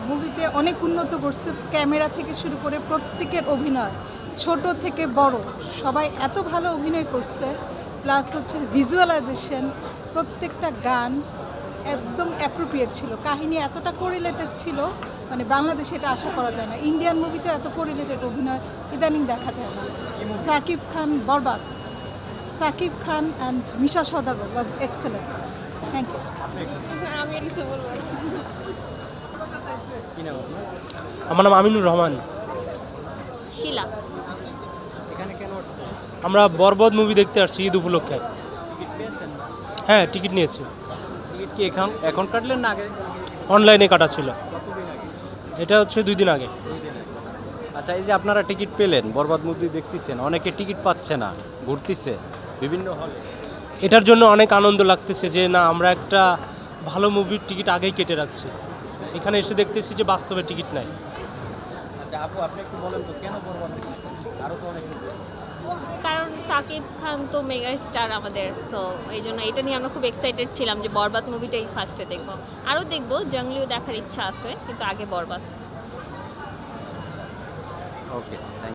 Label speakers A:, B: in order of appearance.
A: মুভিতে অনেক উন্নত করছে, ক্যামেরা থেকে শুরু করে প্রত্যেকের অভিনয়, ছোট থেকে বড় সবাই এত ভালো অভিনয় করছে। প্লাস হচ্ছে ভিজুয়ালাইজেশন, প্রত্যেকটা গান একদম অ্যাপ্রোপ্রিয়েট ছিল, কাহিনী এতটা কোরিলেটেড ছিল, মানে বাংলাদেশে এটা আশা করা যায় না। ইন্ডিয়ান মুভিতে এত কোরিলেটেড অভিনয় ইদানিং দেখা যায় না। Shakib Khan Borbaad, Shakib Khan and Misha Sawdagar was excellent. Thank you.
B: আমি আর কিছু বলবো না।
C: কি নাম আপনার?
D: আমার নাম আমিনুর রহমান।
B: শিলা।
C: এখানে কেন আসছেন?
D: আমরা বরবাদ মুভি দেখতে আসছি ঈদ উপলক্ষে।
C: টিকিট পেয়েছেন?
D: হ্যাঁ, টিকিট নিয়েছি।
C: টিকিট কি এখন কাটলেন না আগে?
D: অনলাইনে কাটা ছিল।
C: কতদিন আগে?
D: এটা হচ্ছে 2 দিন আগে।
C: 2 দিন আগে। আচ্ছা, এই যে আপনারা টিকিট পেলেন, বরবাদ মুভি দেখতেছেন, অনেকে টিকিট পাচ্ছে না, ঘুরতেছে বিভিন্ন হলে।
D: এটার জন্য অনেক আনন্দ লাগতেছে যে না, আমরা একটা ভালো মুভির টিকিট আগেই কেটে রাখছি। এখানে এসে দেখতেছি যে বাস্তবে টিকিট নাই।
C: আচ্ছা আপু, আপনি একটু বলেন তো কেন বরবাদ দেখতেছেন? আরও তো অনেক movie আছে।
B: কারণ সাকিব খান তো মেগা স্টার আমাদের, সো এই জন্য এটা নিয়ে আমরা খুব এক্সাইটেড ছিলাম যে বরবাদ মুভিটাই ফার্স্টে দেখবো। আরও দেখবো, জঙ্গলিও দেখার ইচ্ছা আছে, কিন্তু আগে বরবাদ।
C: ওকে।